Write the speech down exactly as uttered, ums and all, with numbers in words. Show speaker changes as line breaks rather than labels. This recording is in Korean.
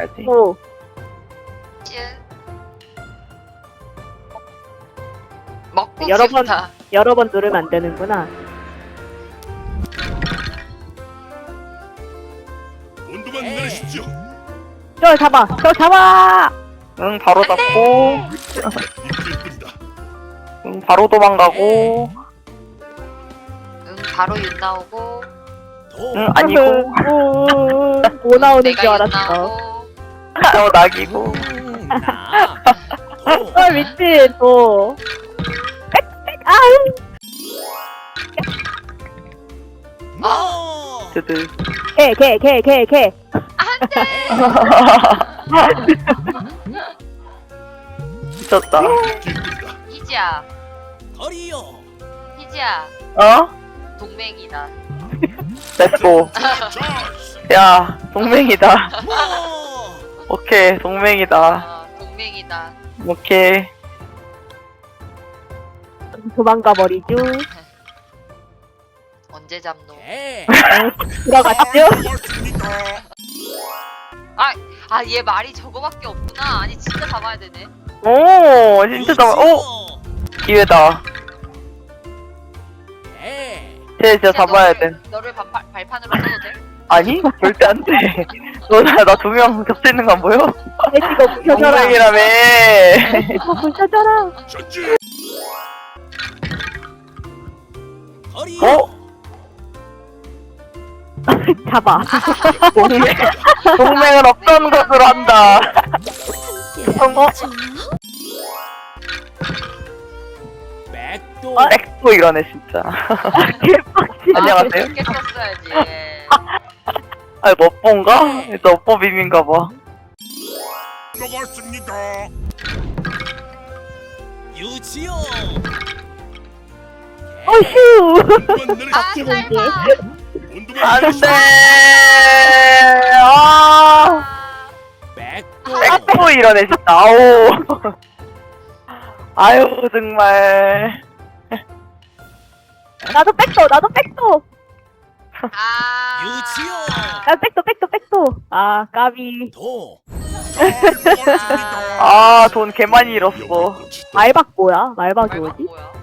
잡아야지.
오.
먹고
여러 번-
싶다.
여러 번 누르면 안 되는구나.
온도만 내리십시오.
저 잡아! 저 잡아!
응, 바로 잡고.
입질 뿐이다.
응, 바로 도망가고.
응, 바로 윤 나오고.
응, 아니고.
오, 뭐 나오는
내가
줄
윤
알았어.
나오고.
어, 낙이고.
아, 미친, 뭐. 빽, 빽, 아우!
아,
드드.
개, 개, 개, 개, 개.
미쳤다.
입질 뿐이다.
희지야. 희지야.
어?
동맹이다.
렛츠고.
자,
야, 동맹이다. 오케이, 동맹이다.
아, 동맹이다.
오케이.
도망가 버리죠.
언제 잡노?
들어갔죠?
고맙습니다.
아, 아, 얘 말이 저거밖에 없구나. 아니, 진짜 잡아야 되네.
오, 진짜 나, 오! 기회다. 쟤 진짜 잡아야 돼.
너를, 너를 반팔, 발판으로 써도 돼?
아니? 절대 안 돼. 너, 나, 나 두 명 겹쳐 있는 거 안 보여?
내 이거 부셔져라.
동맹이라며.
이거 부셔져라.
전진.
어?
잡아.
동맹, 동맹은 없던 것으로 한다. 성공? 아, 엑스포 이러네, 진짜.
개빡치.
안녕하세요.
이렇게 썼어야지.
아, 이거 업보인가? 이거 업보 빔인가 봐.
먹었습니다.
유치요.
어휴.
온도만 내리십시오.
아,
지금
설마.
온도만
안 돼!
내리십시오.
아!
백도.
엑스포 이러네, 진짜. 아우. 아유, 정말.
나도 백도, 나도 백도.
아.
유치요.
아, 백도, 백도, 백도. 아, 까비.
도.
먹었습니다.
아, 돈 개 많이 잃었어.
말박 뭐야? 말박이
말박
뭐지?
뭐야?